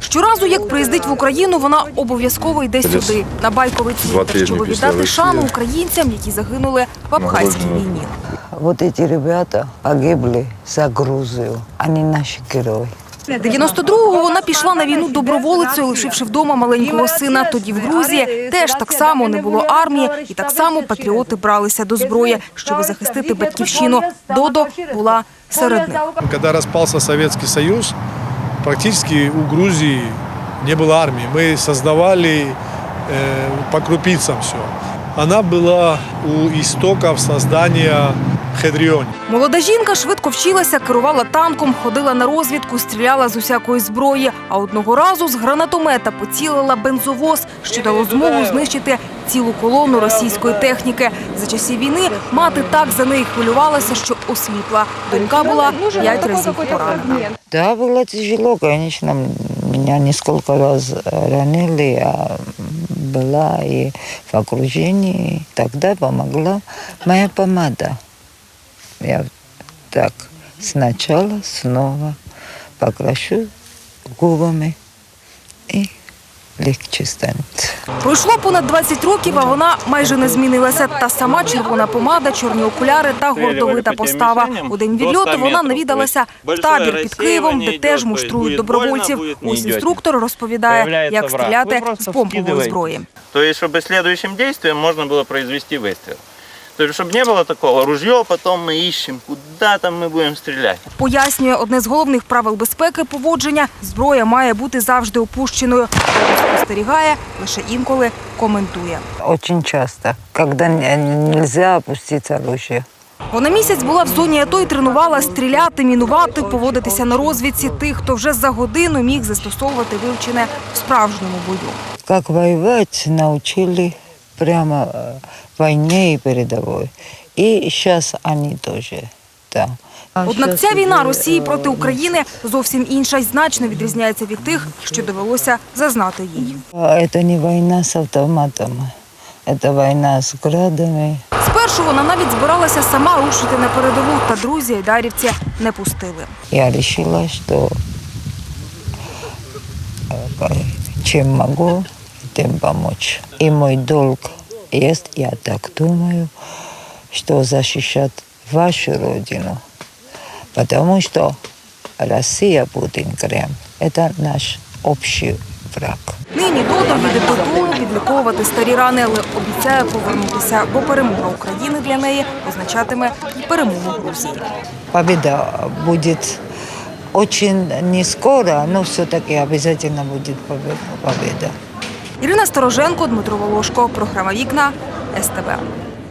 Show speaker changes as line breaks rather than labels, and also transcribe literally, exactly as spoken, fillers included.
Щоразу, як приїздить в Україну, вона обов'язково йде сюди, на Байковий цвинтар, щоб віддати шану українцям, які загинули в Абхазькій війні.
Вот эти ребята погибли за Грузию, они наши герои.
дев'яносто другого вона пішла на війну доброволицею, лишивши вдома маленького сина. Тоді в Грузії теж так само не було армії, і так само патріоти бралися до зброї, щоб захистити батьківщину. Додо була серед них.
Коли розпався Совєтський Союз, практично у Грузії не було армії. Ми створювали по крупицям все. Вона була у істоків створення Хедріоні.
Молода жінка швидко вчилася, керувала танком, ходила на розвідку, стріляла з усякої зброї. А одного разу з гранатомета поцілила бензовоз, що дало змогу знищити цілу колону російської техніки. За часів війни мати так за неї хвилювалася, що осліпла. Донька була п'ять разів поранена.
Да, было тяжело, конечно. Меня несколько раз ранили, я была и в окружении. Тогда помогла моя помада. Я так сначала снова покрашу губами и легче станет.
Пройшло понад двадцять років, а вона майже не змінилася. Та сама червона помада, чорні окуляри та гордовита постава. У день відльоту вона навідалася в табір під Києвом, де теж муштрують добровольців. Ось інструктор розповідає, як стріляти з помпової зброї.
Тобто, щоб слідуючим діям можна було произвести вистріл. Тобто, щоб не було такого, ружье, потім ми іщемо, куди там ми будемо стріляти.
Пояснює, одне з головних правил безпеки поводження – зброя має бути завжди опущеною. Спостерігає, лише інколи коментує.
Очень часто, когда нельзя опустить оружие.
Вона місяць була в зоні АТО і тренувала стріляти, мінувати, поводитися на розвідці тих, хто вже за годину міг застосовувати вивчене в справжньому бою.
Как воевать научили прямо в войне и передовой. И сейчас они тоже там.
Однак ця війна Росії проти України зовсім інша й значно відрізняється від тих, що довелося зазнати їй.
Это не война с автоматами, это война с градами.
Спершу вона навіть збиралася сама рушити на передову, та друзі айдарівці не пустили.
Я решила, что чем могу, тем помочь. И мой долг есть, я так думаю, что защищать вашу родину. Потому что Россия, Путин, Кремль – это наш общий враг.
Нині Додо їде додому відліковувати старі рани, але обіцяє повернутися, бо перемога України для неї означатиме і перемогу Грузії.
Победа будет очень не скоро, но все-таки обязательно будет победа.
Ірина Стороженко, Дмитро Волошко. Програма «Вікна», ес те ве.